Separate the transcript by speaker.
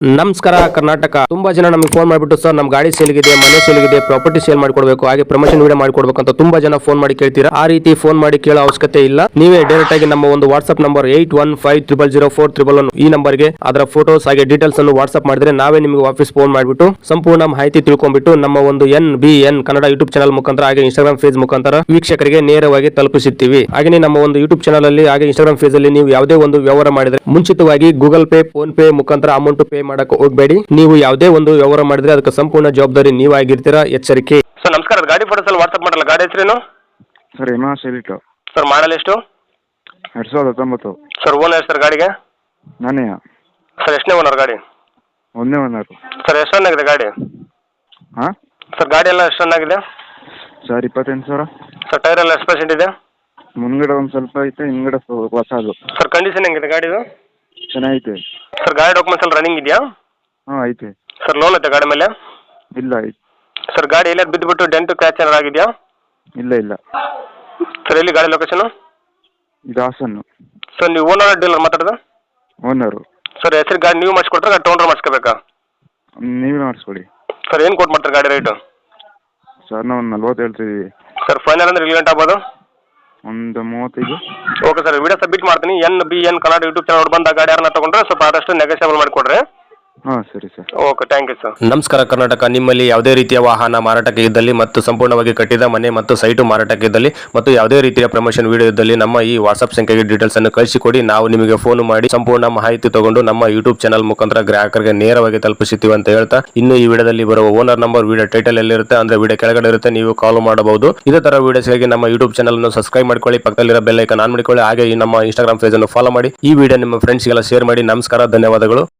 Speaker 1: ನಮಸ್ಕಾರ ಕರ್ನಾಟಕ. ತುಂಬಾ ಜನ ನಮಗೆ ಫೋನ್ ಮಾಡಿಬಿಟ್ಟು ಸರ್ ನಮ್ಮ ಗಾಡಿ ಸೇಲ್ಗಿದೆ, ಮನೆ ಸೇಲ್ಗಿದೆ, ಪ್ರಾಪರ್ಟಿ ಸೇಲ್ ಮಾಡಿಕೊಡ್ಬೇಕು, ಹಾಗೆ ಪ್ರಮೋಷನ್ ವಿಡಿಯೋ ಮಾಡಿಕೊಡ್ಬೇಕು ಅಂತ ತುಂಬಾ ಜನ ಫೋನ್ ಮಾಡಿ ಕೇಳ್ತೀರಾ. ಆ ರೀತಿ ಫೋನ್ ಮಾಡಿ ಕೇಳೋ ಅವಶ್ಯಕತೆ ಇಲ್ಲ. ನೀವೇ ಡೈರೆಕ್ಟ್ ಆಗಿ ನಮ್ಮ ಒಂದು ವಾಟ್ಸ್ಆಪ್ ನಂಬರ್ 81500411 ಈ ನಂಬರ್ಗೆ ಅದರ ಫೋಟೋಸ್ ಹಾಗೆ ಡೀಟೇಲ್ಸ್ ಅನ್ನು ವಾಟ್ಸ್ಆಪ್ ಮಾಡಿದ್ರೆ ನಾವೇ ನಿಮಗೆ ವಾಪಸ್ ಫೋನ್ ಮಾಡಿಬಿಟ್ಟು ಸಂಪೂರ್ಣ ಮಾಹಿತಿ ತಿಳ್ಕೊಂಡ್ಬಿಟ್ಟು ನಮ್ಮ ಒಂದು NBN ಕನ್ನಡ ಯೂಟ್ಯೂಬ್ ಚಾನಲ್ ಮುಖಾಂತರ ಹಾಗೆ ಇನ್ಸ್ಟಾಗ್ರಾಮ್ ಪೇಜ್ ಮುಖಾಂತರ ವೀಕ್ಷಕರಿಗೆ ನೇರವಾಗಿ ತಲುಪಿಸುತ್ತೀವಿ. ಹಾಗೆ ನಮ್ಮ ಒಂದು ಯೂಟ್ಯೂಬ್ ಚಾನಲ್ ಅಲ್ಲಿ ಹಾಗೆ ಇನ್ಸ್ಟಾಗ್ರಾಮ್ ಪೇಜ್ ಅಲ್ಲಿ ನೀವು ಯಾವುದೇ ಒಂದು ವ್ಯವಹಾರ ಮಾಡಿದ್ರೆ ಮುಂಚಿತವಾಗಿ ಗೂಗಲ್ ಪೇ, ಫೋನ್ ಪೇ ಮುಖಾಂತರ ಅಮೌಂಟ್ ಪೇ ಮಾಡಕ್ಕೆ ಹೋಗಬೇಡಿ. ನೀವು ಯಾವುದೇ ಒಂದು ವ್ಯವಹಾರ ಮಾಡಿದ್ರೆ ಅದಕ್ಕೆ ಸಂಪೂರ್ಣ ಜವಾಬ್ದಾರಿ ನೀವಾಗಿರ್ತೀರಾ, ಎಚ್ಚರಿಕೆ. ಸರ್ ನಮಸ್ಕಾರ, ಗಾಡಿ ಫೋಟೋಸ್ ಅಲ್ಲಿ ವಾಟ್ಸ್ಆಪ್ ಮಾಡಲ್ಲ, ಗಾಡಿ ಹೆಸರೇನು
Speaker 2: ಸರ್? ಎಲಿಟೋ
Speaker 1: ಸರ್, ಮಾಡಲ್ ಎಷ್ಟು?
Speaker 2: 2019.
Speaker 1: ಸರ್ ಓನರ್ ಸರ್ ಗಾಡಿಗೆ?
Speaker 2: ನಾನೇ.
Speaker 1: ಸರ್ ಎಷ್ಟನೇ ಓನರ್ ಗಾಡಿ?
Speaker 2: ಒಂದೇ ಓನರ್.
Speaker 1: ಸರ್ ಎಷ್ಟು ರನ್ ಆಗಿದೆ ಗಾಡಿ?
Speaker 2: ಹಾಂ
Speaker 1: ಸರ್ ಗಾಡಿ ಎಲ್ಲ ಎಷ್ಟು ರನ್ ಆಗಿದೆ?
Speaker 2: ಸರ್ 28,000.
Speaker 1: ಸರ್ ಟೈರ್ ಎಲ್ಲ ಎಷ್ಟು ಪರ್ಸೆಂಟ್ ಇದೆ?
Speaker 2: ಮುಂದ್ಗಡೆ ಒಂದು ಸ್ವಲ್ಪ ಐತೆ, ಹಿಂದ್ಗಡೆ ಹೊಸದು.
Speaker 1: ಸರ್ ಕಂಡೀಷನ್ ಹೆಂಗಿದೆ ಗಾಡಿದು?
Speaker 2: ಚೆನ್ನಾಗೈತೆ.
Speaker 1: ಸರ್ ಗಾಡಿ ಡಾಕ್ಯುಮೆಂಟ್ಸ್ ಎಲ್ಲ ರನ್ನಿಂಗ್ ಇದೆಯಾ?
Speaker 2: ಹಾಂ ಐತೆ.
Speaker 1: ಸರ್ ಲೋನ್ ಐತೆ ಗಾಡಿ ಮೇಲೆ?
Speaker 2: ಇಲ್ಲ ಐತೆ.
Speaker 1: ಸರ್ ಗಾಡಿ ಎಲ್ಲ ಬಿದ್ದುಬಿಟ್ಟು ಡೆಂಟು ಕ್ರ್ಯಾಚ್ ಏನಾರು ಆಗಿದೆಯಾ?
Speaker 2: ಇಲ್ಲ.
Speaker 1: ಸರ್ ಎಲ್ಲಿ ಗಾಡಿ ಲೊಕೇಶನ್?
Speaker 2: ಇದು ಹಾಸನ್ನು.
Speaker 1: ಸರ್ ನೀವು ಓನರ್ ಡೀಲರ್ ಮಾತಾಡೋದು?
Speaker 2: ಓನರು.
Speaker 1: ಸರ್ ಹೆಸರು ಗಾಡಿ ನೀವು ಮಾಡಿಸ್ಕೊಡ್ತಾರೆ, ಗಾಡಿ ತೊಗೊಂಡ್ರೆ ಮಾಡಿಸ್ಕೋಬೇಕಾ?
Speaker 2: ನೀವೇ ಮಾಡಿಸ್ಕೊಡಿ.
Speaker 1: ಸರ್ ಏನು ಕೊಟ್ಟು ಮಾಡ್ತಾರೆ ಗಾಡಿ ರೇಟು?
Speaker 2: ಸರ್ ನಾವು 40 ಹೇಳ್ತಿದ್ದೀವಿ.
Speaker 1: ಸರ್ ಫೈನಲ್ ಅಂದ್ರೆ ಇಲ್ಲಿ ಗಂಟೆ ಆಗ್ಬೋದು?
Speaker 2: ಒಂದು 35.
Speaker 1: ಓಕೆ ಸರ್, ವಿಡಿಯೋ ಸಬ್ಮಿಟ್ ಮಾಡ್ತೀನಿ. NBN ಕನ್ನಡ ಯೂಟ್ಯೂಬ್ ಚಾನಲ್ ಬಂದ ಗಾಡಿ ಯಾರನ್ನ ತಗೊಂಡ್ರೆ ಸ್ವಲ್ಪ ಆದಷ್ಟು ನೆಗೋಷಿಯಬಲ್ ಮಾಡಿಕೊಡ್ರಿ.
Speaker 2: ಹಾಂ ಸರಿ sir.
Speaker 1: Okay, thank you sir. ನಮಸ್ಕಾರ ಕರ್ನಾಟಕ. ನಿಮ್ಮಲ್ಲಿ ಯಾವುದೇ ರೀತಿಯ ವಾಹನ ಮಾರಾಟಕ್ಕೆ ಇದ್ದಲ್ಲಿ ಮತ್ತು ಸಂಪೂರ್ಣವಾಗಿ ಕಟ್ಟಿದ ಮನೆ ಮತ್ತು ಸೈಟು ಮಾರಾಟಕ್ಕೆ ಇದ್ದಲ್ಲಿ ಮತ್ತು ಯಾವುದೇ ರೀತಿಯ ಪ್ರಮೋಷನ್ ವಿಡಿಯೋ ಇದ್ದಲ್ಲಿ ನಮ್ಮ ಈ ವಾಟ್ಸ್ಆಪ್ ಸಂಖ್ಯೆಗೆ ಡೀಟೇಲ್ಸ್ ಅನ್ನು ಕಳಿಸಿಕೊಡಿ. ನಾವು ನಿಮಗೆ ಫೋನ್ ಮಾಡಿ ಸಂಪೂರ್ಣ ಮಾಹಿತಿ ತಗೊಂಡು ನಮ್ಮ ಯೂಟ್ಯೂಬ್ ಚಾನಲ್ ಮುಖಾಂತರ ಗ್ರಾಹಕರಿಗೆ ನೇರವಾಗಿ ತಲುಪಿಸುತ್ತೀವಿ ಅಂತ ಹೇಳ್ತಾ, ಇನ್ನು ಈ ವಿಡಿಯೋದಲ್ಲಿ ಬರುವ ಓನರ್ ನಂಬರ್ ವಿಡಿಯೋ ಟೈಟಲ್ ಎಲ್ಲಿರುತ್ತೆ ಅಂದ್ರೆ ವಿಡಿಯೋ ಕೆಳಗಡೆ ಇರುತ್ತೆ, ನೀವು ಕಾಲ್ ಮಾಡಬಹುದು. ಇದೇ ತರ ವಿಡಿಯೋಸ್ಗಾಗಿ ನಮ್ಮ ಯೂಟ್ಯೂಬ್ ಚಾನಲ್ ಅನ್ನು ಸಬ್ಸ್ಕ್ರೈಬ್ ಮಾಡ್ಕೊಳ್ಳಿ, ಪಕ್ಕದಲ್ಲಿರೋ ಬೆಲ್ ಐಕಾನ್ ಆನ್ ಮಾಡಿಕೊಳ್ಳಿ, ಹಾಗೆ ಈ ನಮ್ಮ ಇನ್ಸ್ಟಾಗ್ರಾಮ್ ಪೇಜ್ ಅನ್ನು ಫಾಲೋ ಮಾಡಿ. ಈ ವಿಡಿಯೋ ನಿಮ್ಮ ಫ್ರೆಂಡ್ಸ್ಗೆಲ್ಲ ಶೇರ್ ಮಾಡಿ. ನಮಸ್ಕಾರ, ಧನ್ಯವಾದಗಳು.